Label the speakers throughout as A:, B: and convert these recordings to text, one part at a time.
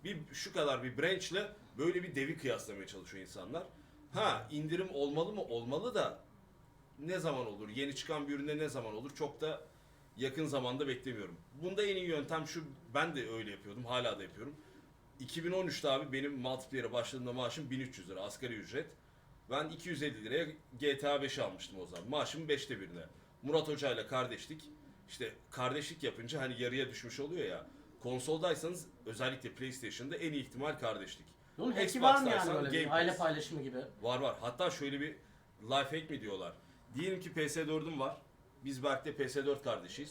A: şu kadar bir branch'le böyle bir devi kıyaslamaya çalışıyor insanlar. Ha, indirim olmalı mı? Olmalı da ne zaman olur? Yeni çıkan bir üründe ne zaman olur? Çok da yakın zamanda beklemiyorum. Bunda en iyi yöntem şu, ben de öyle yapıyordum, hala da yapıyorum. 2013'te abi benim multiplayer'e başladığımda maaşım 1300 lira asgari ücret. Ben 250 liraya GTA 5 almıştım o zaman. Maaşımın 5'te 1'ine. Murat Hoca ile kardeşlik. İşte kardeşlik yapınca hani yarıya düşmüş oluyor ya. Konsoldaysanız özellikle PlayStation'da en iyi ihtimal kardeşlik.
B: Bunun hack'i var mı yani
A: Xbox'taysan
B: böyle bir
A: Game
B: aile
A: Pass.
B: paylaşımı gibi?
A: Var. Hatta şöyle bir life hack mi diyorlar. Diyelim ki PS4'üm var. Biz Berk'le PS4 kardeşiyiz.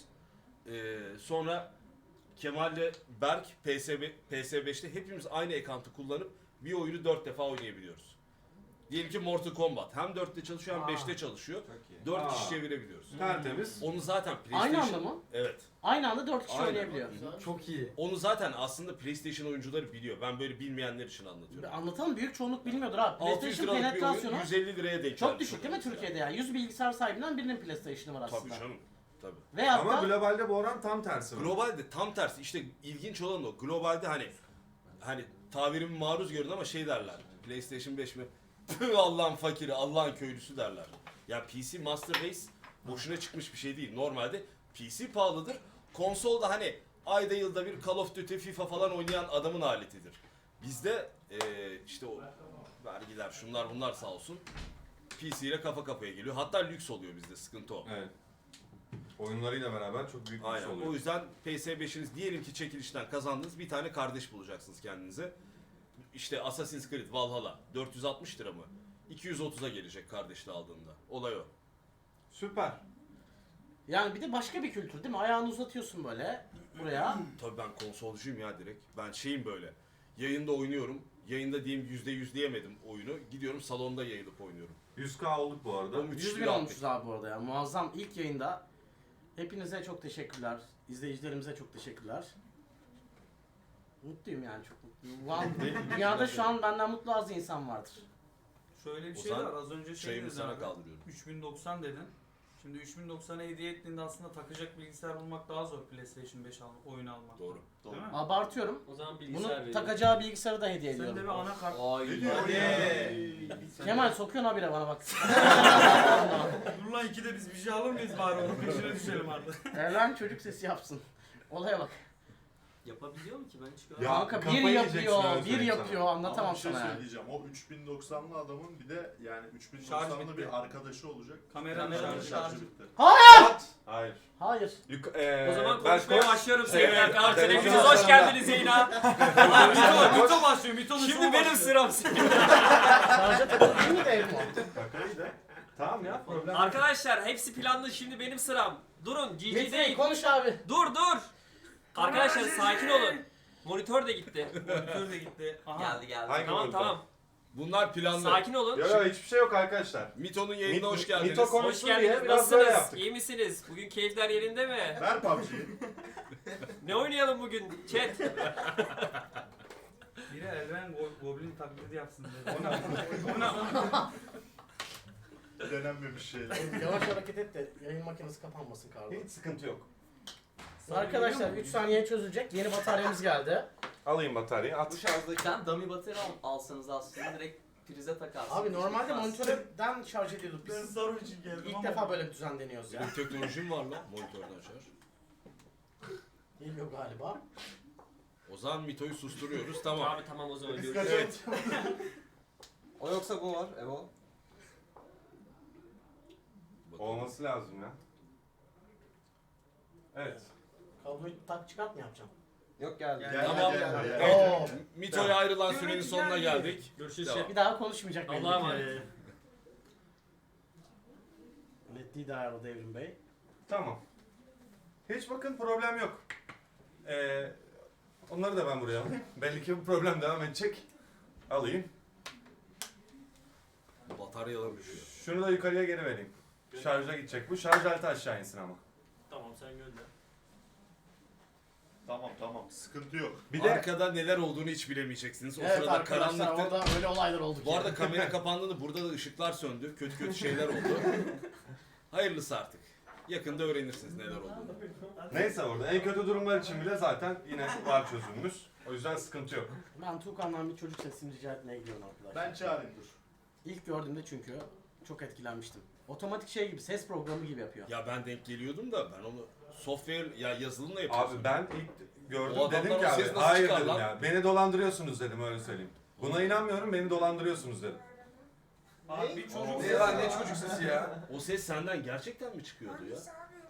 A: Sonra Kemal'le Berk PS5'te hepimiz aynı account'u kullanıp bir oyunu 4 defa oynayabiliyoruz. Diyelim ki Mortal Kombat hem 4'te çalışıyor hem 5'te çalışıyor. 4 kişi çevirebiliyoruz.
C: Tertemiz.
A: Onu zaten PlayStation...
B: Aynı anda mı?
A: Evet.
B: Aynı anda 4 kişi
A: Aynen.
B: oynayabiliyor.
D: Çok iyi.
A: Onu zaten aslında PlayStation oyuncuları biliyor. Ben böyle bilmeyenler için anlatıyorum.
B: Anlatalım, büyük çoğunluk bilmiyordur abi.
A: 600
B: PlayStation
A: liralık bir oyun
B: penetrasyonu
A: 150 liraya denk
B: çok
A: gelmiş
B: düşük değil mi
A: oluyor.
B: Türkiye'de ya? 100 bilgisayar sahibinden birinin PlayStation'ı var aslında.
A: Tabii canım. Tabii.
B: Ve
C: Ama
B: hatta
C: globalde bu oran tam tersi var.
A: Globalde tam tersi. İşte ilginç olan o. Globalde hani tavirimi maruz görün ama şey derler. PlayStation 5 mi? Püh, Allah'ın fakiri, Allah'ın köylüsü derler. Ya PC Master Race boşuna çıkmış bir şey değil. Normalde PC pahalıdır. Konsolda hani ayda yılda bir Call of Duty, FIFA falan oynayan adamın aletidir. Bizde işte o vergiler, şunlar bunlar sağ olsun. PC ile kafa kafaya geliyor. Hatta lüks oluyor bizde, sıkıntı o.
C: Evet. Oyunlarıyla beraber çok büyük bir
A: Aynen.
C: şey oluyor.
A: O yüzden PS5'iniz diyelim ki çekilişten kazandınız, bir tane kardeş bulacaksınız kendinize. İşte Assassin's Creed Valhalla 460 lira mı? 230'a gelecek kardeşle aldığında. Olay o.
C: Süper.
B: yani bir de başka bir kültür değil mi? Ayağını uzatıyorsun böyle buraya.
A: Tabii ben konsolcuyum ya direkt. Ben şeyim böyle. Yayında oynuyorum. Yayında diyeyim %100 diyemedim oyunu. Gidiyorum salonda yayılıp oynuyorum.
C: 100k olduk bu arada.
A: O müthiş
B: 100
A: bir
B: bin
A: rahatlık.
B: olmuşuz abi bu arada ya. Muazzam ilk yayında. Hepinize çok teşekkürler. İzleyicilerimize çok teşekkürler. Mutluyum yani, çok mutluyum. Dünyada şu an benden mutlu az insan vardır.
E: Şöyle bir şey
A: Ozan,
E: var, az önce şey
A: Çayımı
E: dedin
A: sana
E: abi,
A: kaldırıyorum.
E: 3090 dedin. Şimdi 3090'a hediye ettiğinde aslında takacak bilgisayar bulmak daha zor PlayStation 5 oyun almak.
A: Doğru.
E: Değil mi?
B: Abartıyorum.
D: O zaman
B: Bunu
D: bilgisayar veriyor.
B: takacağı bilgisayarı da hediye
E: Sen de
B: ediyorum.
E: bir anakart...
B: Kemal sokuyorsun habire bana bak.
E: Dur lan ikide biz bir şey alır mıyız bari onun peşine düşelim artık.
B: Erlen çocuk sesi yapsın. Olaya bak.
D: Yapabiliyor mu ki ben hiç
C: Ya,
D: görmedim.
B: Kanka bir
C: kafayı yiyeceksin,
B: yapıyor,
C: öyle
B: bir
C: söyleyeyim sana.
B: yapıyor,
F: Ama
B: anlatamam
F: bir şey
B: sana yani.
F: söyleyeceğim. O 3090'lı adamın bir de yani
E: Şarj
F: 3090'lı
E: bitti.
F: bir arkadaşı olacak.
E: Kameranın
F: Şarjı
E: şarjı
F: bitti.
C: Hayır.
B: Hayır.
D: O zaman
C: ben
D: konuşmaya başlıyorum sevgili
C: Evet,
D: arkadaşlar.
C: televizyon
D: Hepiniz hoş
C: salonunda.
D: geldiniz yayına.
E: Mito başlıyor, Mito'nun
D: Şimdi benim sıram.
B: Şarja takılı değil miydi evim o?
C: Kakayı da. Tamam ya, problem yok.
D: Arkadaşlar hepsi planlı, şimdi benim sıram. Durun, GG
B: Metin
D: değil.
B: konuş abi.
D: Dur. Arkadaşlar sakin olun. Monitör de gitti.
E: Monitör de gitti. Aha.
D: Geldi.
C: Hangi
D: Tamam
C: monitör?
D: tamam.
A: Bunlar planlı.
D: Sakin olun.
C: Yok hiçbir şey yok arkadaşlar.
A: Mito'nun yayınına hoş geldiniz.
C: Mito
D: Hoş
C: konuşsun diye
D: geldiniz.
C: biraz böyle
D: Nasılsınız?
C: yaptık.
D: İyi misiniz? Bugün keyifler yerinde mi?
F: Ver PUBG'yi.
D: Ne oynayalım bugün? Chat.
E: Biri Elven Goblin taklidi yapsın dedi.
F: Denenmemiş şeyler.
B: Yavaş hareket et de yayın makinesi kapanmasın kardeşim.
C: Hiç sıkıntı yok.
B: Arkadaşlar 3 saniye çözülecek. Yeni bataryamız geldi.
C: Alayım bataryayı, at.
G: Bu şarjdayken dummy batarya alsanız aslında direkt prize takarsınız.
B: Abi normalde
G: Çıkmaz.
B: monitörden şarj ediyorduk
E: Ben
B: biz.
E: sarı için geldim
B: İlk
E: ama.
B: defa böyle bir düzen deniyoruz ya.
A: Benim teknolojim var lan monitörden şarj.
B: Geliyor galiba.
A: O zaman Mito'yu susturuyoruz, tamam.
D: Abi tamam o zaman
F: Biz
D: görüşürüz.
A: Evet.
G: O yoksa bu var, Evo.
A: Bakalım.
C: Olması lazım ya. Evet.
B: Kabloyu tak çıkart mı yapacağım?
G: Yok geldi.
E: Gel,
A: Tamam.
F: gel.
B: Oo.
A: Mito'ya ayrılan sürenin sonuna geldik.
D: Görüşürüz.
A: Devam.
B: Bir daha konuşmayacak belli
D: Allah'a
B: ki.
D: emanet.
B: Netliği de ayarladı Evrim Bey.
C: Tamam. Hiç bakın problem yok. Onları da ben buraya alayım. Belli ki bu problem devam edecek. Alayım.
A: Bataryalar düşüyor.
C: Şunu da yukarıya geri vereyim. Şarja gidecek bu. Şarj aleti aşağı insin ama.
D: Tamam sen gönder.
F: Tamam. Sıkıntı yok.
C: Bir de
A: Arkada neler olduğunu hiç bilemeyeceksiniz. O
B: Evet
A: sırada
B: arkadaşlar
A: karanlıkta.
B: orada öyle olaylar oldu ki.
A: Bu arada kamera kapandığında burada da ışıklar söndü. Kötü şeyler oldu. Hayırlısı artık. Yakında öğrenirsiniz neler olduğunu.
C: neyse orada en kötü durumlar için bile zaten yine var çözümümüz. O yüzden sıkıntı yok.
B: Ben Tuğkan'dan bir çocuk sesini rica etmeye gidiyorum arkadaşlar.
F: Ben çağırayım dur.
B: İlk gördüğümde çünkü çok etkilenmiştim. Otomatik şey gibi, ses programı gibi yapıyor.
A: Ya ben denk geliyordum da ben onu software ya yazılımla yapıyorsun.
C: Abi ben ilk gördüm
A: O
C: dedim
A: adamlar
C: ki
A: o
C: abi
A: ses nasıl
C: hayır
A: çıkar
C: dedim
A: lan?
C: ya. Beni dolandırıyorsunuz dedim öyle söyleyeyim. Buna inanmıyorum beni dolandırıyorsunuz dedim.
E: Abi bir çocuk
H: Ne lan ne çocuk sesi ya?
A: O ses senden gerçekten mi çıkıyordu ya?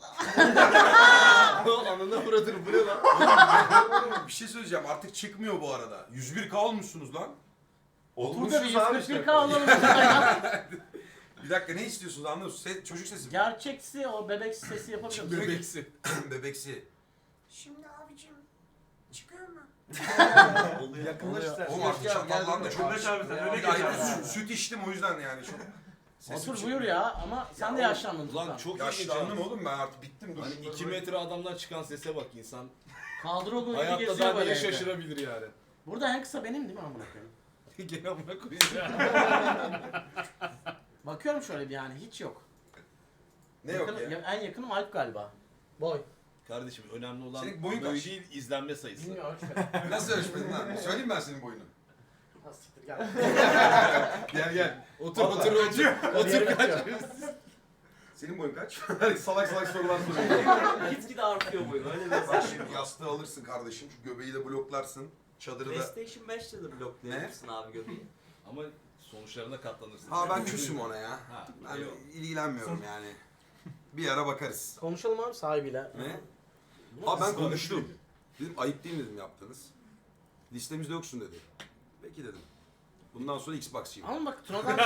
A: Anına vuradır bu ne lan?
H: Bir şey söyleyeceğim artık çıkmıyor bu arada. 101K olmuşsunuz lan.
B: Burada bir
C: Olmuşuz abi
B: 141
C: işte.
B: alalım.
H: Bir dakika ne istiyorsunuz anlıyor musun? Çocuk sesi.
B: Gerçeksi o bebek sesi yapabilir misin?
A: Bebeksi.
H: Bebeksi.
I: Şimdi abicim çıkıyor mu?
H: Yaklaş sen. Oğlum artık çatallan da çok. Süt içtim o yüzden yani. Çok... Sesim
B: Otur
H: çıkmıyor.
B: buyur ya ama sen de yaşlandın
A: Ulan
B: Tuğkan.
A: çok ilginç.
H: Yaşlandım oğlum ben artık bittim. Dur.
A: Hani 2 metre adamdan çıkan sese bak insan.
B: Kadro gibi
A: Hayatta
B: geziyor
A: daha
B: böyle
A: neye
B: evde.
A: şaşırabilir yani.
B: Burada en kısa benim değil mi amına koyayım?
A: Gene amına koyayım.
B: Bakıyorum şöyle bir yani hiç yok.
H: Ne yok
B: Yakın-
H: ya?
B: En yakınım Alp galiba. Boy.
A: Kardeşim önemli olan
H: Senin boyun
A: boy
H: kaç?
A: değil izlenme sayısı.
B: Bilmiyorum ölçmedim.
H: Nasıl ölçmedin lan? Söyleyeyim ben senin boyunu.
B: Ha, siktir gel.
H: Gel gel.
A: Otur
H: Vallahi.
A: otur kaç.
H: Senin boyun kaç? salak salak sorular soruyor.
G: Gitgide artıyor boyun öyle bir
H: Bak
G: mesaj.
H: şimdi yastığı alırsın kardeşim. Şu göbeği de bloklarsın. Çadırı da.
G: PlayStation 5'te de bloklayabilirsin abi göbeği.
A: Ama sonuçlarına katlanırsın.
H: Ha ben küsüm ona ya.
A: Ha,
H: Ben
A: eyvallah.
H: ilgilenmiyorum yani. Bir ara bakarız.
B: Konuşalım abi sahibiyle.
H: Ne? Ha ben konuştum. Dedim ayıp değil mi dedim yaptınız. Listemizde yoksun dedi. Peki dedim. Bundan sonra Xbox'çıyım.
B: Ama bak Tuna'dan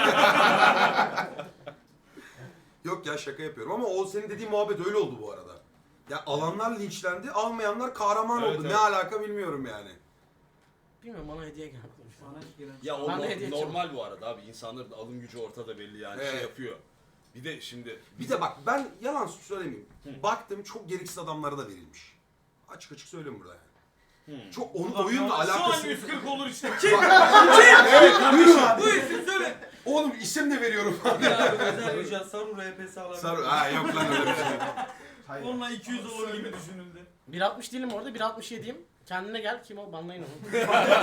H: Yok ya şaka yapıyorum ama o senin dediğin muhabbet öyle oldu bu arada. Ya alanlar linçlendi, almayanlar kahraman
A: Evet,
H: oldu.
A: evet.
H: Ne alaka bilmiyorum yani.
B: bilmiyorum bana hediye geldi.
E: Bana gelen
A: Ya o
B: Ben de hediye
A: normal bu arada abi. İnsanların alım gücü ortada belli yani şey
H: Evet.
A: yapıyor. Bir de şimdi
H: Bir de bak ben yalan söylemeyeyim. Baktım çok gereksiz adamlara da verilmiş. Açık açık söyleyeyim burada yani. Çok onun oyunla
E: Şu an
H: alakası.
E: 140 olur işte.
H: Buyurun.
E: Bu isim söyle.
H: Oğlum isim de veriyorum.
E: Ya özel ücret Saru RPS alabilir.
H: Sarı. Ha yok lan öyle bir şey.
E: Onunla 200 olur gibi düşünüldü.
B: 1.60 değilim orada 1.67'yim. Kendine gel kim o banlayın onu.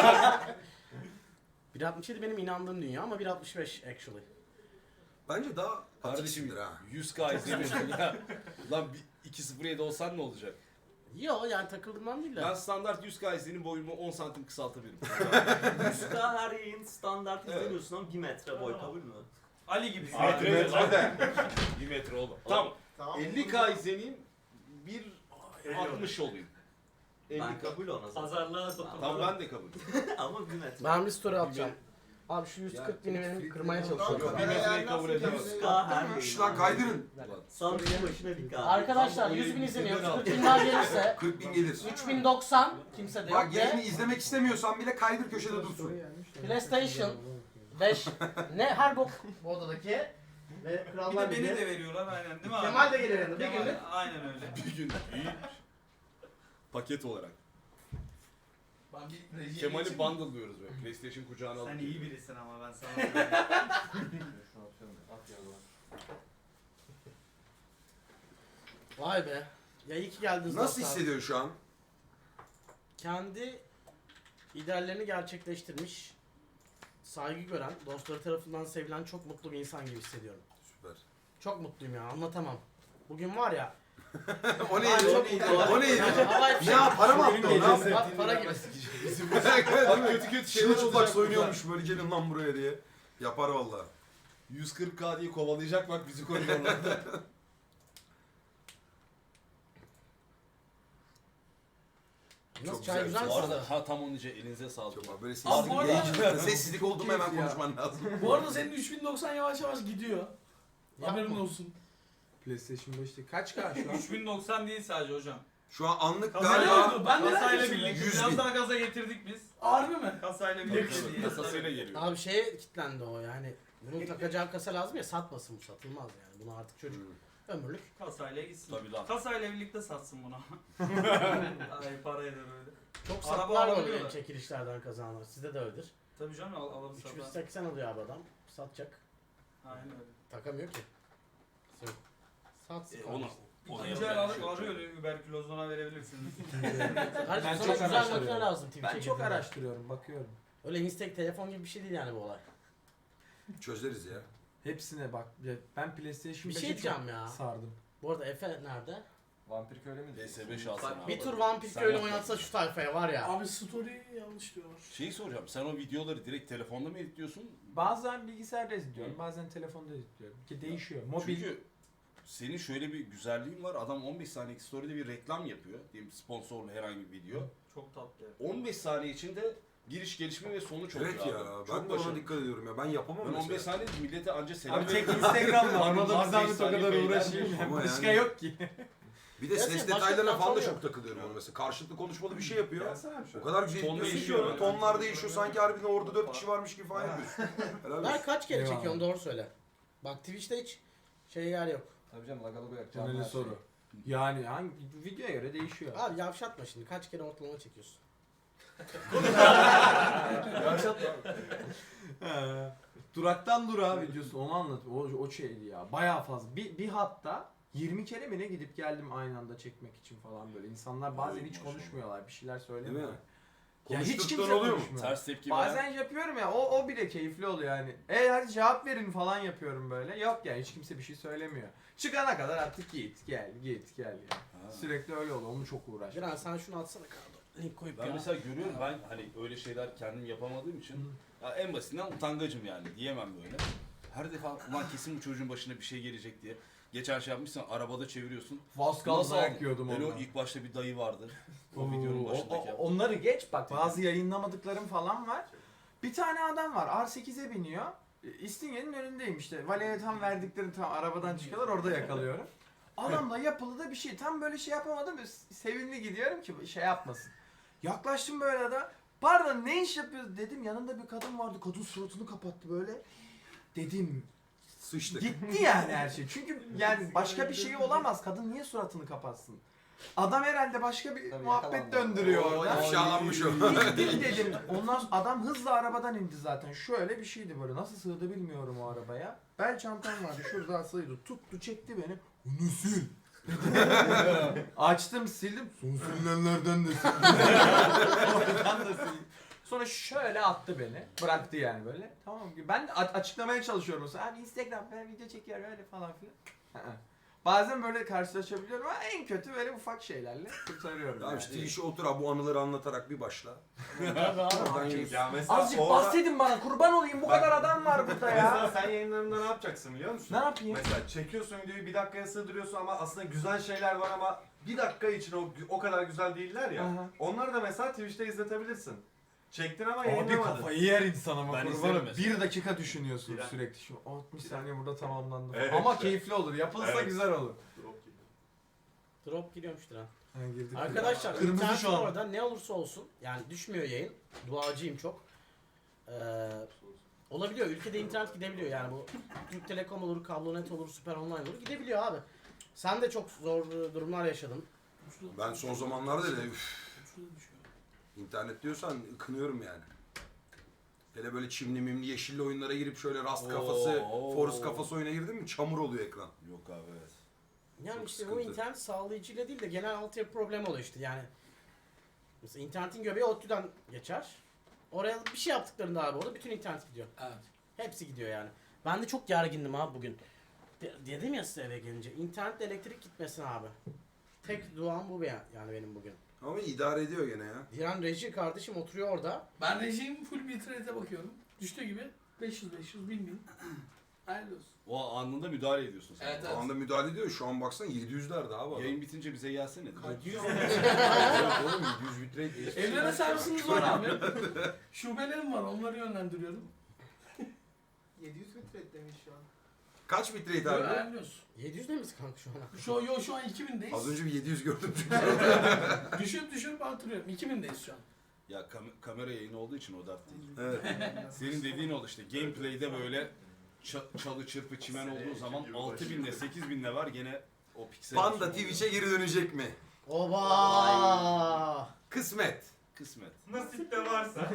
B: 1.67 benim inandığım dünya ama 1.65 actually.
H: Bence daha
A: kardeşim
H: atiksindir ha.
A: 100K izlemiyorsun ya. Lan 2.07 olsan ne olacak?
B: Yo yani takıldığımdan değil de.
A: Ben standart 100K izlenim boyumu 10 santim kısaltabilirim.
G: 100K her yayın standart izlemiyorsun ama 1 metre boy kabul mü?
E: Ali gibi.
A: Metre
C: Metre de.
A: 1 metre oğlum. Tamam. 50K izleneyim 1.60 olayım.
G: Ben
A: 50K.
G: kabul ona zaten.
D: Pazarlığa
A: Tamam ben de kabul.
G: Ama 1 metre.
B: Ben bir story atacağım. Abi şu 140 bini benim kırmaya
A: Yok
B: çalışıyorum.
A: 1 metreyi kabul edemez.
G: 100K her yayın.
H: Şş lan kaydırın.
G: Samsun'un başına bir K.
B: Arkadaşlar 100 bin izleniyor. 40 bin daha gelirse
H: 40 bin gelir.
B: 3090 kimse de yok
H: Bak yerini
B: ve
H: izlemek istemiyorsan bile kaydır köşede dursun.
B: PlayStation 5 ne her bok bu odadaki ve
E: Bir
B: Krallar
E: de beni
B: Ligi.
E: de veriyorlar aynen değil mi abi?
B: Kemal de gelir yanında bir
E: Kemal,
B: günlük.
E: aynen öyle.
A: Bir gün iyi. Paket olarak.
H: Ben bir
A: Kemal'i bundle diyoruz böyle. PlayStation kucağına alıp.
E: Sen iyi birisin ama ben sana söyleyeyim.
B: Vay be. Ya iyi ki geldiniz.
H: Nasıl
B: dostlar.
H: hissediyorsun şu an?
B: Kendi ideallerini gerçekleştirmiş, saygı gören, dostları tarafından sevilen çok mutlu bir insan gibi hissediyorum.
H: Süper.
B: Çok mutluyum ya anlatamam. Bugün var ya.
H: O neydi? O neydi?
B: Havai fişek.
H: Ya para mı attı o? Ne yaptı?
B: Para gibi.
A: Bak kötü kötü şeyler
H: Çılçıplak
A: olacak
H: soyunuyormuş böyle gelin lan buraya diye. Yapar valla.
A: 140K diye kovalayacak bak bizi koridorlarda.
B: Nasıl
H: Çok
B: çay
H: güzel.
B: güzel
A: Bu
B: mi?
A: arada ha tam onun için elinize sağlık.
H: Çok böyle
E: Abi bu arada-
H: sessizlik oldu mu hemen konuşman lazım.
J: Bu arada senin 3090 yavaş yavaş gidiyor. Haberin
B: Yapma.
J: olsun. PlayStation 5'te kaç K şu an?
E: 3090 değil sadece hocam.
H: Şu an anlık
E: Kasayla,
H: galiba
J: Ben de
E: kasayla
J: neredeyim?
E: birlikte
H: 100
E: biraz
H: bin.
E: daha gaza getirdik biz.
J: Harbi mi?
E: Kasayla birlikte değil.
A: Kasasıyla geliyor.
B: Abi şeye kilitlendi o yani. Bunun takacağı kasa lazım ya satmasın bu satılmaz yani. Bunu artık çocuk ömürlük.
E: Kasayla gitsin.
A: Tabii lan.
E: Kasayla birlikte satsın bunu. Ay parayla böyle.
B: Çok
E: Araba
B: satlar
E: alabiliyorlar.
B: oluyor çekilişlerden kazananlar. Sizde de öyledir.
E: Tabii canım alıp satar.
B: 380 alıyor abi adam. Satacak.
E: Aynen öyle.
B: Takamıyor ki. Satsın.
A: Onu
E: İkinci el arıyor überkülozuna verebilirsiniz.
B: Kardeşim
J: Ben
B: sana
J: çok
B: güzel
J: araştırıyorum.
B: makine lazım Twitch'e
J: Ben çok
B: girdiğinde.
J: araştırıyorum, bakıyorum.
B: Öyle Instek telefon gibi bir şey değil yani bu olay.
H: Çözeriz ya.
J: Hepsine bak. Ya ben PlayStation
B: Bir
J: 5'e
B: şey
J: çok
B: diyeceğim ya.
J: sardım.
B: Bu arada Efe nerede?
C: Vampir köyle mi?
A: PS5 alsana abi.
B: Bir tur Vampir
A: Sen
B: Köylü
A: yap.
B: oynatsa şu tayfaya var ya.
J: Abi story yanlış diyorlar.
A: Şeyi soracağım. Sen o videoları direkt telefonda mı editliyorsun?
J: Bazen bilgisayarda izliyorum, bazen telefonda izliyorum. Ki değişiyor. Mobil.
A: Çünkü senin şöyle bir güzelliğin var. Adam 15 saniyelik story'de bir reklam yapıyor. Diyelim sponsorlu herhangi bir video.
E: Çok tatlı.
A: 15 saniye içinde giriş, gelişme ve sonuç oluyor
H: Evet ya.
A: abi.
H: Ben
A: Çok
H: de ona
A: başarılı.
H: dikkat ediyorum ya. Ben yapamam
A: Ben 15
H: mesela.
A: saniye millete anca selam
J: Abi tek
A: veriyorum.
J: Instagram var.
A: Abi
J: Ona da
A: var
J: bir zahmet o
A: 5 saniye
J: kadar
A: beyler
J: uğraşayım.
A: diyor.
H: Ama
J: Başka
H: yani-
J: yok ki.
H: Bir de
B: Gerçi
H: ses
B: başka
H: detaylarına falan da
B: platform
H: çok takılıyorum ona mesela. Karşılıklı konuşmalı bir şey yapıyor.
C: Gelsene bir
H: O
C: şöyle.
H: kadar güzel
A: Ton
H: ediyorsun ki
A: değişiyor
H: onu.
A: yani.
H: Tonlar değişiyor. Sanki harbiden orada 4 kişi varmış gibi falan yapıyorsun. Helal
B: Ben
H: olsun.
B: kaç kere
J: Eyvallah.
B: çekiyorum doğru söyle. Bak Twitch'te hiç yer yok.
C: Tabii canım lagalı bırakacağım.
J: Önemli soru. Yani hangi videoya göre değişiyor.
B: Abi yavşatma şimdi kaç kere ortalama çekiyorsun.
J: Duraktan durağa videosu onu anlat. O şeydi ya. Bayağı fazla. Bir hatta 20 kere mi ne gidip geldim aynı anda çekmek için falan böyle. İnsanlar bazen hiç konuşmuyorlar. Bir şeyler söylemiyorlar.
H: Değil mi?
J: Ya hiç
H: Konuştuktan
J: kimse
H: oluyor mu?
J: konuşmuyor.
A: Ters tepki veren.
J: Bazen yapıyorum ya o bile keyifli oluyor yani. Hadi cevap verin falan yapıyorum böyle. Yok yani hiç kimse bir şey söylemiyor. Çıkana kadar artık git gel ya.
A: Ha.
J: Sürekli öyle oluyor. Onu çok uğraşıyorum.
B: Diren sen şunu atsana kanka. Link koyup
A: Ben
B: ya.
A: mesela görüyorum ben hani öyle şeyler kendim yapamadığım için ya en basitinden utangacım yani diyemem böyle. Her defa ulan kesin bu çocuğun başına bir şey gelecek diye. Geçen şey yapmışsın arabada çeviriyorsun.
J: Vaskal
A: Nasıl
J: dayak
A: aldın?
J: yiyordum
A: Öyle o
J: ondan.
A: ilk başta bir dayı vardı. O videonun başındaki.
J: Onları geç bak bazı yayınlamadıklarım falan var. Bir tane adam var R8'e biniyor. İstinye'nin önündeyim işte. Valeye tam verdiklerini tam arabadan çıkıyorlar orada yakalıyorum. Adamla yapılı da bir şey. Tam böyle şey yapamadım. Sevimli gidiyorum ki şey yapmasın. Yaklaştım böyle de. Pardon ne iş yapıyoruz dedim. Yanında bir kadın vardı. Kadın suratını kapattı böyle. Dedim
H: Sıçtık.
J: gitti yani her şey. Çünkü yani başka bir şey olamaz. Kadın niye suratını kapatsın? Adam herhalde başka bir
C: Tabii
J: muhabbet
C: yakalandı.
J: döndürüyor
H: Oo,
J: orada.
H: ifşalanmış o.
J: Gittim dedim. Ondan sonra adam hızla arabadan indi zaten. Şöyle bir şeydi böyle. Nasıl sığdı bilmiyorum o arabaya. Bel çantam vardı. Şurada asılıydı. Tuttu çekti beni. Onu sil. Açtım sildim. Son silinenlerden de sildim. Oradan da sildim. Sonra şöyle attı beni. Bıraktı yani böyle. Tamam ki ben de açıklamaya çalışıyorum mesela. Abi Instagram ben video çekiyorum öyle falan filan. Bazen böyle karşılaşabiliyorum ama en kötü böyle ufak şeylerle kurtarıyorum.
H: Tamam
J: yani.
H: işte işe otur abi bu anıları anlatarak bir başla.
B: Tabii abi.
H: Oradan yürü.
C: Ya mesela
J: Azıcık
C: orada...
J: bahsedin bana kurban olayım bu kadar adam var burada ya.
C: Mesela sen yayınlarında ne yapacaksın biliyor musun?
J: Ne yapayım?
C: Mesela çekiyorsun videoyu bir dakikaya sığdırıyorsun ama aslında güzel şeyler var ama bir dakika için o kadar güzel değiller ya.
J: Aha.
C: Onları da mesela Twitch'te izletebilirsin. Çektin ama
J: Abi
C: yayınlamadın.
J: kafayı yer insan ama
A: Ben
J: kurbanım.
A: izlerim mesela.
J: 1 dakika düşünüyorsun
C: Bir-
J: sürekli. Şu 60 saniye burada tamamlandı.
C: Evet
J: Ama
C: işte.
J: keyifli olur. Yapılsa
C: Evet.
J: güzel olur.
B: Drop giriyormuş Diren.
J: Ha, girdik.
B: Arkadaşlar
J: Kırmızı
B: internet
J: şu an.
B: orada ne olursa olsun yani düşmüyor yayın. Duacıyım çok. Olabiliyor. Ülkede internet gidebiliyor yani bu Türk Telekom olur, Kablonet olur, Süper Online olur gidebiliyor abi. Sen de çok zor durumlar yaşadın.
H: Ben son zamanlarda da internet diyorsan kınıyorum yani. Hele böyle çimli mimli yeşilli oyunlara girip şöyle rast kafası,
A: Oo.
H: forest kafası oyuna girdin mi çamur oluyor ekran.
A: Yok abi evet.
B: Yani
H: Çok
B: işte bu
H: sıkıntı.
B: internet sağlayıcıyla değil de genel altyapı problemi oluyor işte yani. Mesela internetin göbeği ODTÜ'den geçer. Oraya bir şey yaptıklarında abi orada bütün internet gidiyor.
J: Evet.
B: Hepsi gidiyor yani. Ben de çok gergindim abi bugün. Dedim ya size eve gelince. İnternetle elektrik gitmesin abi. Tek duam bu yani benim bugün.
H: Ama idare ediyor gene ya.
B: Diren reji kardeşim oturuyor orada.
J: Ben rejim full bitrate'e bakıyorum. Düştüğü gibi 500 1000. Hayırlı olsun.
A: O anında müdahale ediyorsun sen.
J: Evet,
H: O anda müdahale ediyor. Şu an baksana 700'lerde abi adam.
A: Yayın bitince bize gelsene.
H: Evet oğlum 700 bitrate değil.
J: Evlere servisiniz var abi. Şubelerim var onları yönlendiriyorum.
E: 700 metre demiş şu an.
H: Kaç bitrate abi?
J: Hayırlı olsun.
B: 700 ne misin kanka şu an?
J: Şu an 2000'deyiz.
H: Az önce bir 700 gördüm.
J: Düşürüp artırıyorum. 2000'deyiz şu an.
A: Ya kamera yayını olduğu için o dert değil.
H: Evet.
A: Senin dediğin oldu işte gameplay'de böyle çalı çırpı çimen olduğu zaman 6000'le 8000'le var gene o piksel.
H: Panda Twitch'e geri dönecek mi?
B: Oba!
H: Kısmet.
A: Kısmet.
F: Nasip de varsa.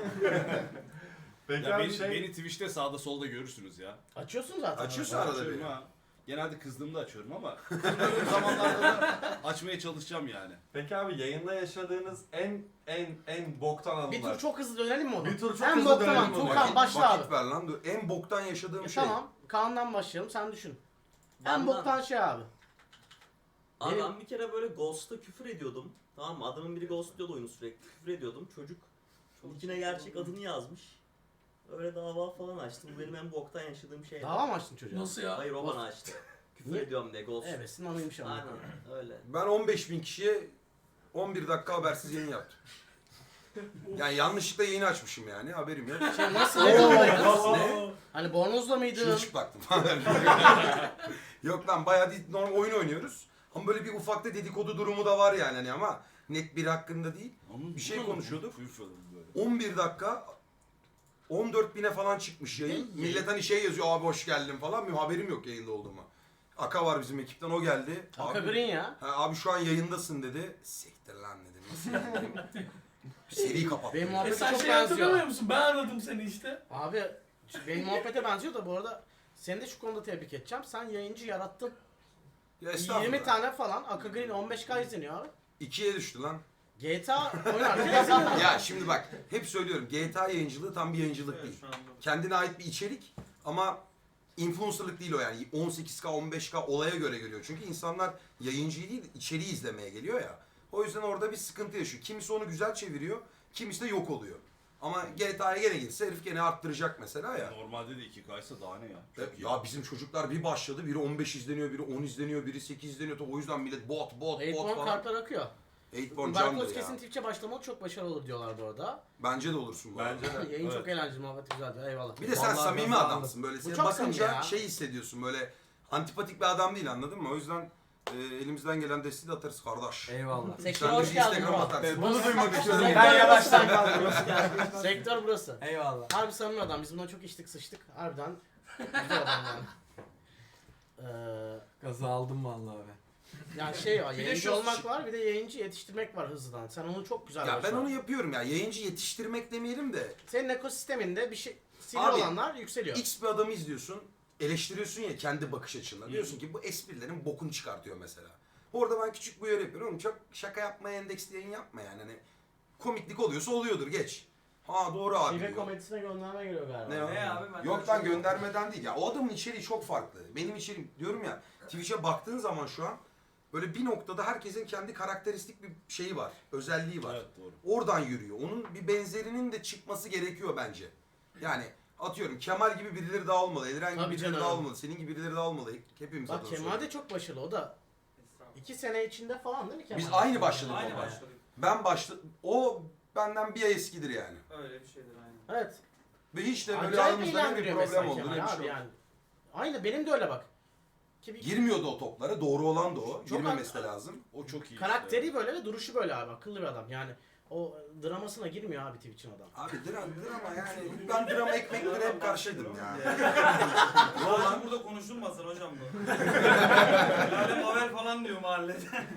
F: Peki
A: Ya
F: abi
A: beni
F: şey...
A: Twitch'te sağda solda görürsünüz ya.
B: Açıyorsun zaten.
H: Açıyorsun
B: arada.
H: arada
A: Açıyorum
H: bir.
A: ha. Genelde kızdığımda açıyorum ama kızdığım zamanlarda da açmaya çalışacağım yani.
C: Peki abi yayında yaşadığınız en boktan
B: Bir tur
C: anılar.
B: çok hızlı dönelim mi onu?
C: Bir tur çok
B: en
C: hızlı
B: boktan
C: dönelim
B: an.
C: onu.
B: Tuğkan başla abi.
H: Vakit ver lan. Dur. En boktan yaşadığım şey.
B: Tamam. Kaan'dan başlayalım. Sen düşün. En
G: Benden-
B: boktan şey abi.
G: Abi
B: Benim-
G: ben bir kere böyle Ghost'a küfür ediyordum. Tamam mı? Adamın biri ghostluyordu oyunu sürekli. Küfür ediyordum. Çocuk içine gerçek adını yazmış. Öyle dava falan açtı. Bu benim en boktan yaşadığım şey.
B: Dava mı açtın çocuğa?
K: Nasıl ya?
G: Hayır o bana açtı. Küfür
B: Niye?
G: ediyorum diye ghost.
B: Evet, anıymış ama.
G: Aynen öyle.
H: Ben 15.000 kişiye 11 dakika habersiz yayın yaptım. Yani yanlışlıkla yayını açmışım yani haberim yok.
B: Şey nasıl ne durumdaydın?
H: Ne?
B: Hani bornozla mıydın?
H: Çırılçıplaktım falan. Yok lan bayağı değil, normal oyun oynuyoruz. Ama böyle bir ufakta dedikodu durumu da var yani hani ama net biri hakkında değil. Bir şey konuşuyorduk. 11 dakika 14.000'e falan çıkmış yayın. Millet hani şey yazıyor abi hoş geldin falan. Benim haberim yok yayında olduğuma. Aka var bizim ekipten o geldi.
B: Aka
H: Abi,
B: Green ya.
H: abi şu an yayındasın dedi. Siktir lan dedim. Nasıl yayındayım? Seri kapattım.
B: Benim muhabbete
K: Sen
B: çok
K: şey hatırlamıyor
B: benziyor.
K: musun? Ben aradım seni işte.
B: Abi benim muhabbete benziyor da bu arada seni de şu konuda tebrik edeceğim. Sen yayıncı yarattın.
H: Ya estağfurullah.
B: 20 tane falan. Aka Green 15K izleniyor abi.
H: 2'ye düştü lan.
B: GTA oynarken izleniyor.
H: Ya şimdi bak hep söylüyorum GTA yayıncılığı tam bir yayıncılık değil.
E: Şu anda.
H: Kendine ait bir içerik ama influencerlık değil o yani. 18K 15K olaya göre geliyor. Çünkü insanlar yayıncıyı değil içeriği izlemeye geliyor ya. O yüzden orada bir sıkıntı yaşıyor. Kimisi onu güzel çeviriyor, kimisi de yok oluyor. Ama GTA'ya gene girse herif gene arttıracak mesela ya.
A: Normalde de 2K'ysa daha ne ya? Çok iyi.
H: Ya bizim çocuklar bir başladı, biri 15 izleniyor, biri 10 izleniyor, biri 8 izleniyor. O yüzden millet bot
B: Eightborn
H: falan.
B: kartlar akıyor.
H: Eightborn
B: Berkoz
H: candır ya.
B: kesin Twitch'e başlamalı çok başarılı olur diyorlar bu arada.
H: Bence de olursun bu arada.
C: Bence de.
B: Yayın
A: Evet.
B: çok eğlenceli, muhabbet güzel diyor. Eyvallah.
H: Bir de sen
J: Vallahi
H: samimi
J: ben
H: adamsın böyle.
B: Bu
H: Seni
B: çok
H: bakınca
B: samimi ya.
H: şey hissediyorsun böyle antipatik bir adam değil anladın mı? O yüzden elimizden gelen desteği de atarız kardeş.
J: Eyvallah.
B: Sektör
H: Sen de
B: hoş
H: bir
B: geldin
H: Instagram
B: bro.
H: atarsın.
J: Bunu duymak istiyorum.
B: Sektör
J: Ben yavaştan
B: burası.
J: kaldım.
B: Sektör burası.
J: Eyvallah.
B: Harbi samimi adam. Biz bundan çok içtik sıçtık. Harbiden güzel adam yani.
J: Gazı aldım vallahi abi.
B: Yani şey var,
A: Bir de
B: yayıncı
A: şu-
B: olmak var, bir de yayıncı yetiştirmek var hızlıdan. Sen onu çok güzel
H: Ya ben
B: başardın.
H: onu yapıyorum ya. Yayıncı yetiştirmek demeyelim de
B: Senin ekosisteminde bir şey sivri
H: Abi,
B: olanlar yükseliyor.
H: X bir adamı izliyorsun. Eleştiriyorsun ya kendi bakış açınla. Diyorsun ki bu esprilerin bokunu çıkartıyor mesela. Orada ben küçük bir uyarı yapıyorum. Oğlum çok şaka yapmaya endeksli yayın yapma yani. Hani komiklik oluyorsa oluyordur geç. Ha doğru abi
B: Şive
H: diyor.
B: komedisine gönderme geliyor galiba.
H: Ne o?
E: Ne abi ben
H: Yok lan göndermeden değil ya. O adamın içeriği çok farklı. Benim içeriğim diyorum ya Twitch'e baktığın zaman şu an böyle bir noktada herkesin kendi karakteristik bir şeyi var. Özelliği var.
A: Evet doğru.
H: Oradan yürüyor. Onun bir benzerinin de çıkması gerekiyor bence. Yani atıyorum Kemal gibi birileri daha olmalı. Eliren gibi
B: Tabii
H: birileri
B: canım.
H: daha olmalı. Senin gibi birileri daha olmalı. Hepimiz
B: Bak
H: adına
B: Kemal de
H: söylüyorum.
B: çok başarılı, o da 2 sene içinde falan değil mi Kemal?
H: Biz aynı başladık
E: Aynı
H: ama.
E: başladık.
H: Ben o benden bir ay eskidir yani.
E: Öyle bir şeydir aynen.
B: Evet.
H: Ve hiç de böyle
B: Acayip
H: aramızda ne bir
B: eğlendiriyor
H: problem
B: mesela
H: oldu ne
B: Kemal
H: bir
B: abi
H: şey oldu.
B: yani. Aynı benim de öyle bak. Ki bir
H: Girmiyordu o toplara. Doğru olan da o.
B: Çok
H: Girmemesi de lazım.
A: O çok iyi.
B: karakteri
A: işte.
B: böyle ve duruşu böyle abi, akıllı bir adam yani. O dramasına girmiyor abi Twitch'in adam.
H: Abi drama yani. Ben drama ekmeklere hep karşıydım ya.
E: Hocam burada konuşulmasın hocam bu. Yani Mavel falan diyor mahallede.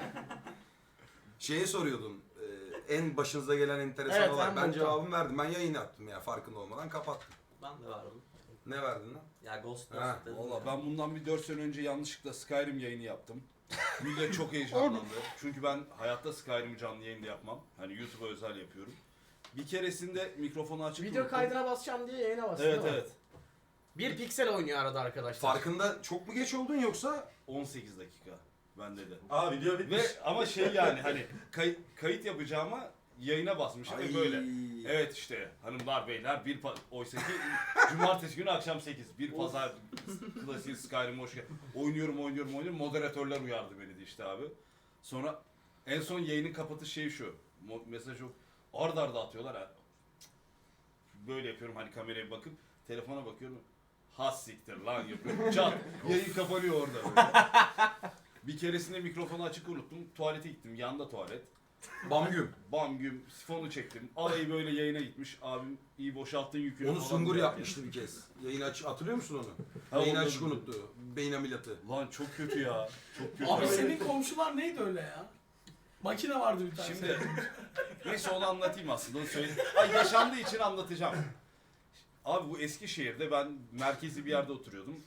H: Şeye soruyordun. En başınıza gelen enteresan
B: Evet,
H: olay.
B: en
H: Ben
B: boktan.
H: cevabımı verdim. Ben yayın yaptım ya farkında olmadan kapattım.
G: Ben de vardım.
H: Ne verdin lan?
G: Ya Ghost
H: Ha,
G: dedim
A: Valla
G: ya.
A: ben bundan bir 4 sene önce yanlışlıkla Skyrim yayını yaptım. Millet çok heyecanlandı. Çünkü ben hayatta Skyrim'i canlı yayında yapmam. Hani YouTube'a özel yapıyorum. Bir keresinde mikrofonu açıp
B: Video
A: unuttum.
B: kaydına basacağım diye yayına bastı.
A: Evet
B: değil mi?
A: evet.
B: Bir piksel oynuyor arada arkadaşlar.
H: Farkında çok mu geç oldun yoksa?
A: 18 dakika bende de.
C: Aa video bitmiş.
A: Ve ama şey yani hani kayıt yapacağıma yayına basmışım ve böyle. Evet işte hanımlar beyler oysa ki cumartesi günü akşam 8 bir pazar klasik Skyrim hoş geldin. Oynuyorum moderatörler uyardı beni de işte abi. Sonra en son yayının kapatış şeyi şu. Mesaj yok. Arda atıyorlar ha. Böyle yapıyorum hani kameraya bakıp telefona bakıyorum. Has siktir lan yapıyorum. Çat. Yayın kapanıyor orada böyle. Bir keresinde mikrofonu açık unuttum. Tuvalete gittim. Yanda tuvalet.
H: Bamgüm.
A: Bam güm sifonu çektim. Alayı böyle yayına gitmiş. Abim iyi boşalttın yükünü
H: Onu
A: falan
H: Sungur
A: diyor.
H: yapmıştı bir kez. Yayın açık hatırlıyor musun onu?
A: Ha,
H: Yayın
A: onu
H: açık
A: unuttum.
H: unuttu. Beyin ameliyatı.
A: Lan çok kötü ya. Çok kötü.
K: Abi senin komşular neydi öyle ya? Makine vardı bir tane.
A: Şimdi neyse onu anlatayım aslında. Onu söyleyeyim. Ay yaşandığı için anlatacağım. Abi bu Eskişehir'de ben merkezi bir yerde oturuyordum.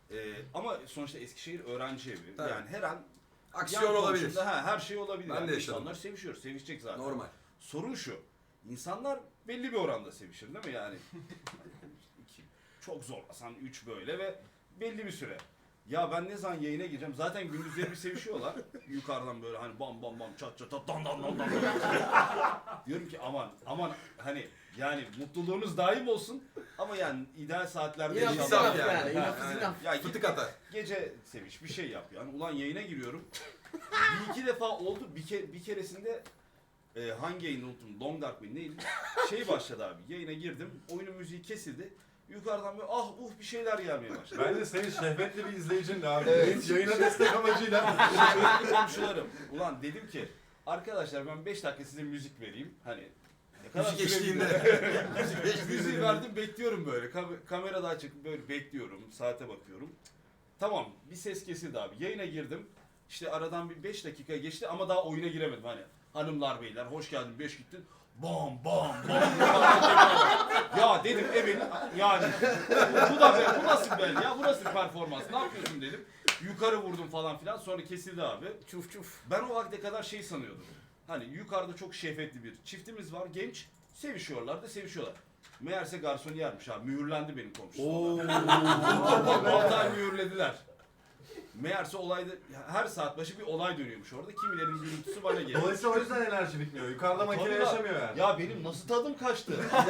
A: Ama sonuçta Eskişehir öğrenci evi.
H: Tabii.
A: Yani her an
H: Aksiyon
A: yan
H: olabilir.
A: komşunda, her şey olabilir.
H: Ben
A: Yani
H: de yaşadım.
A: İnsanlar sevişiyor, sevişecek zaten.
H: Normal.
A: Sorun şu, insanlar belli bir oranda sevişir değil mi yani? 2, çok zorlasan 3 böyle ve belli bir süre. Ya ben ne zaman yayına gireceğim? Zaten gündüzleri bir sevişiyorlar. Yukarıdan böyle hani bam bam bam çat çat çat dan dan dan dan. Diyorum ki aman hani yani mutluluğunuz daim olsun ama yani ideal saatlerde
B: Enough is
A: inşallah-
B: enough yani.
A: Ha,
B: Enough is
A: yani.
B: enough.
A: Ya git
H: Fıtık atar.
A: gece seviş bir şey yap yani. Ulan yayına giriyorum. Bir iki defa oldu. Bir keresinde hangi yayını unuttum. Long Dark mı neydi? Şey başladı abi. Yayına girdim. Oyunun müziği kesildi. Yukarıdan böyle bir şeyler gelmeye başladı.
C: Bence senin şehvetli bir izleyicin de abi.
A: Evet.
C: Yayına destek amacıyla.
A: Şehvetli komşularım. Ulan dedim ki arkadaşlar ben 5 dakika size müzik vereyim. Hani ne kadar
H: Müzik
A: süre
H: eşliğinde.
A: bilmiyorum. Müziği verdim bekliyorum böyle. Kamerada açık böyle bekliyorum. Saate bakıyorum. Tamam bir ses kesildi abi. Yayına girdim. İşte aradan bir 5 dakika geçti ama daha oyuna giremedim hani. Hanımlar beyler hoş geldin 5 gittin. Bam bam bam. Ya dedim evet yani bu da ben, bu nasıl ben ya bu nasıl performans ne yapıyorsun dedim. Yukarı vurdum falan filan sonra kesildi abi.
B: Çuf çuf.
A: Ben o vakte kadar şey sanıyordum. Hani yukarıda çok şehvetli bir çiftimiz var genç sevişiyorlar da sevişiyorlar. Meğerse garsoniyermiş abi mühürlendi benim komşum. 6 ay mühürlediler. Meğerse olayda her saat başı bir olay dönüyormuş orada. Kimilerin gürültüsü bana geliyor.
C: Dolayısıyla o yüzden enerji bitmiyor. Yukarıda makine
A: Tabii lan.
C: yaşamıyor yani.
A: Ya benim nasıl tadım kaçtı?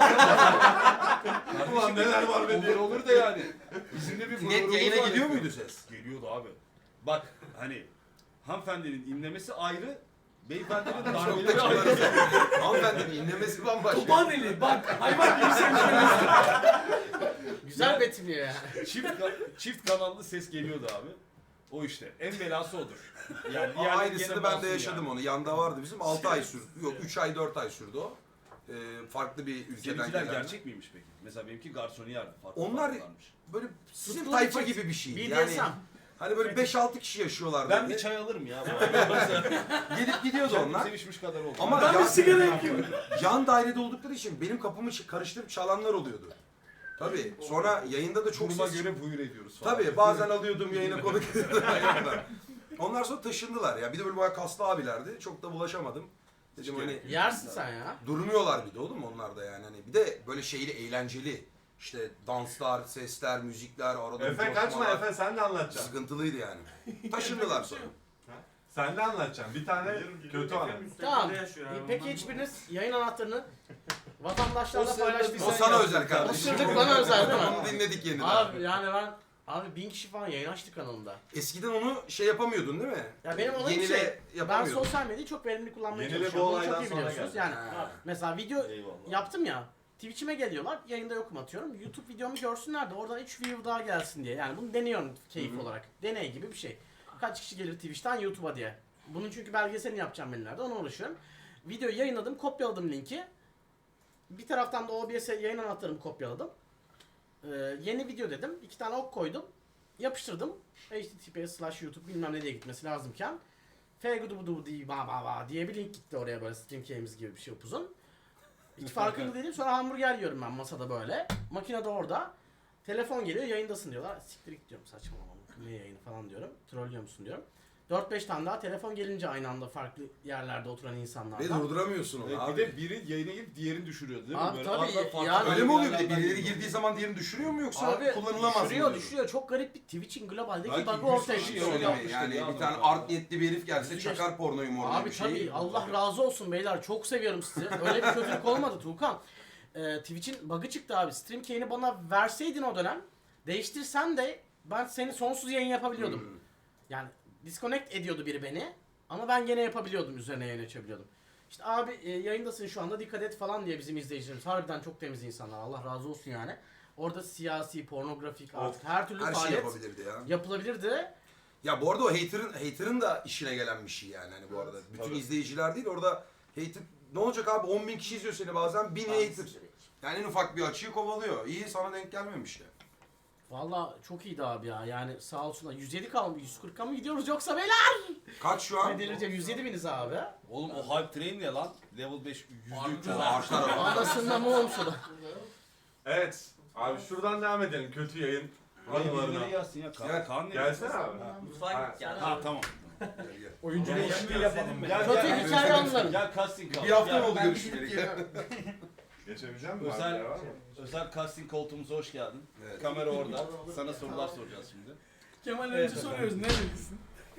C: Ulan neler var be diye.
A: Olur da yani. Bizim de bir
H: Net
A: gururumuz
H: yayına
A: var
H: gidiyor
A: ya.
H: muydu ses?
A: Geliyordu abi. Bak hani hanımefendinin inlemesi ayrı, beyefendinin
H: Çok da
A: darbeleri ayrı.
H: Hanımefendinin inlemesi bambaşka.
K: Topaneli bak hayvan gibi sevişiyoruz.
B: Güzel betimliyor yani.
A: Çift kanallı ses geliyordu abi. O işte. En belası odur. Yani
H: Aynısını ben de yaşadım onu. Yanda vardı bizim. 6 ay sürdü. Yok 3 ay 4 ay sürdü o. Farklı bir ülkeden
A: Seninkiler
H: gelen.
A: gerçek miymiş peki? Mesela benimki garsoniyerdi. Farklı
H: Onlar
A: farklılarmış.
H: böyle sizin
B: Tutkulu
H: tayfa
B: bir çift.
H: gibi bir şeydi.
B: BDSM.
H: Yani hani böyle 5-6 kişi yaşıyorlardı.
A: Ben bir çay alırım ya.
H: Gelip gidiyordu
A: Kendim
H: onlar.
A: sevişmiş kadar oldu.
H: Ama
K: Ben bir sigara yakıyorum.
H: yan dairede oldukları için benim kapımı karıştırıp çalanlar oluyordu. Tabii. Sonra yayında da çok
A: duruma
H: ses
A: göre buyur ediyoruz falan.
H: Tabii bazen alıyordum yayına konuk ediyordum. Onlar sonra taşındılar ya. Bir de böyle bayağı kaslı abilerdi. Çok da bulaşamadım. Dedim hani
B: Yersin sen ya.
H: durmuyorlar bir de oğlum onlar da yani. Hani bir de böyle şeyli eğlenceli. İşte danslar, sesler, müzikler, arada
C: Efe kaçma
H: coşmalar.
C: Efe sen de anlatacaksın.
H: Sıkıntılıydı yani. Taşındılar sonra.
C: Sen de anlatacaksın. Bir tane kötü anı.
B: Tamam.
E: Yaşıyor abi.
B: Peki hiçbiriniz yayın anahtarını vatandaşlarla
H: O
B: paylaştıysanız...
H: sana özel kardeşim.
B: Isırdık bana özel değil mi?
H: Onu dinledik yeniden.
B: Abi yani Abi 1000 kişi falan yayın açtı kanalımda.
H: Eskiden onu şey yapamıyordun değil mi?
B: Ya benim olayım
H: Yenile
B: şey, ben
H: yapamıyordun.
B: sosyal medyayı çok verimli kullanmaya
C: Yenile bu
B: çalışıyorum. Bunu
C: olaydan
B: çok iyi
C: sonra
B: biliyorsunuz.
C: geldi.
B: Yani
H: Ha.
B: mesela video
A: Eyvallah.
B: yaptım ya. Twitch'ime geliyorlar, yayında yokum atıyorum. YouTube videomu görsünler de oradan 3 view daha gelsin diye. Yani bunu deniyorum keyif olarak. Deney gibi bir şey. Kaç kişi gelir Twitch'ten YouTube'a diye. Bunun çünkü belgeselini yapacağım ben ileride, ona uğraşıyorum. Videoyu yayınladım, kopyaladım linki. Bir taraftan da OBS yayın anahtarımı kopyaladım. Yeni video dedim, 2 tane ok koydum. Yapıştırdım. https/youtube bilmem ne diye gitmesi lazımken fgudubudu diye bir link gitti oraya böyle stream key'imiz gibi bir şey upuzun. Hiç farkında değilim. Sonra hamburger yiyorum ben masada böyle. Makine de orada. Telefon geliyor, yayındasın diyorlar. Siktir git diyorum, saçmalama. Ne yayını falan diyorum. Trollüyor musun diyorum. 4-5 tane daha telefon gelince aynı anda farklı yerlerde oturan
H: Ve
B: insanlardan.
H: durduramıyorsun onu
A: Evet,
H: abi.
A: bir de biri yayına girip diğerini düşürüyordu değil mi?
B: Abi
A: Böyle
B: tabii,
A: arada farklı
B: yani-
H: Öyle mi oluyor bir de?
A: yerlerden
H: Birileri
A: geliyor.
H: girdiği zaman diğerini düşürüyor mu yoksa
B: Abi
H: kullanılamaz mı?
B: düşürüyor
H: diyor?
B: düşürüyor. Çok garip bir Twitch'in globaldeki
A: Belki
B: bug'ı
A: 100
B: ortaya
A: kişi
B: çıkıyor.
H: Şöyle
A: yapmıştır
H: mi? Yani
A: ya
H: bir tane
A: adam.
H: art niyetli bir herif gelse çakar pornoyu morla
B: Abi
H: bir şey.
B: tabii Allah razı olsun beyler, çok seviyorum sizi. Öyle bir kötülük olmadı Tuğkan. Twitch'in bug'ı çıktı abi. Stream key'ini bana verseydin o dönem, değiştirsen de ben seni sonsuz yayın yapabiliyordum. Yani disconnect ediyordu biri beni ama ben gene yapabiliyordum, üzerine yayın açabiliyordum. İşte abi yayındasın şu anda dikkat et falan diye bizim izleyicilerimiz harbiden çok temiz insanlar, Allah razı olsun yani. Orada siyasi, pornografik artık her türlü
H: Her şey
B: faaliyet
H: yapabilirdi ya.
B: yapılabilirdi.
H: Ya bu arada o hater'ın da işine gelen bir şey yani hani bu arada. Bütün
A: tabii.
H: izleyiciler değil orada hater ne olacak abi 10.000 kişi izliyor seni bazen 1000 hater. Yani en ufak bir açığı kovalıyor. İyi sana denk gelmemiş ya.
B: Valla çok iyiydi abi ya, yani sağ olsunlar. 107 kalmış, 140'a mı gidiyoruz yoksa beyler?
H: Kaç şu an?
B: Ne delireceğim, 107 biniz abi.
A: Oğlum o hype train ne lan? Level 5 %300
H: Arşlar ama.
B: Anasından mı olmuş o da?
C: Evet. Abi şuradan devam edelim. Kötü yayın
A: Birileri yazsın ya.
H: Gel.
A: Kaan ne?
C: Gelsene abi.
G: Mutfağa gel.
A: Ha tamam.
J: Oyuncu değişikliği yapalım.
A: Gel
B: Kötü hikaye anıları.
A: Gel casting kal.
H: Bir hafta
A: Gel.
H: mı oldu
B: Ben
H: görüşmeyeli?
B: gidip geliyorum.
F: Geçebileceğim mi?
A: Özel,
F: Var mı?
A: özel casting koltuğumuza hoş geldin.
H: Evet.
A: Kamera orada. Sana sorular soracağız şimdi.
K: Kemal önce soruyoruz ne dedin?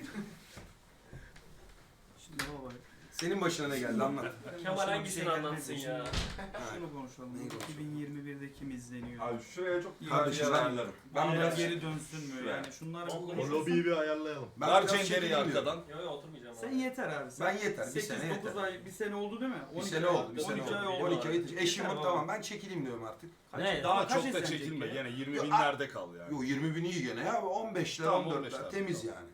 E: Şimdi baba
H: Senin başına ne geldi anlat.
D: Kemal hangisini anlatsın ya?
E: şunu konuşalım.
H: Neyi konuşalım?
E: 2021'de kim izleniyor?
C: Abi şuraya çok
H: Kardeşim ben,
C: ben
H: ben biraz,
E: geri dönsün mü? Yani şunlar bir
F: O
E: konuşalım.
F: lobiyi bir ayarlayalım.
H: ben
A: Ver
H: biraz
A: Cender'i
H: çekileyim
A: arkadan.
H: diyorum.
D: Yok yok oturmayacağım.
E: Sen
D: abi.
E: yeter abi.
H: Ben yeter, bir sene
E: 8-9
H: yeter.
E: ay, bir sene oldu değil mi?
H: Bir
E: 12
H: sene
E: ay-
H: oldu, bir sene
E: 12 ay
H: oldu.
E: oldu.
H: 12 ay eşim
E: Yeter
H: tamam
E: baba.
H: ben çekileyim diyorum artık.
B: Ne?
A: Daha
E: Kaç
A: çok da
E: izlenecek
A: çekilme.
E: ya?
A: Gene 20
H: Yo,
A: binlerde kal yani.
H: Yo 20 bin iyi gene ya 15'ler
A: Tamam,
H: 14'ler
A: 15'ler.
H: temiz
A: Tamam.
H: yani.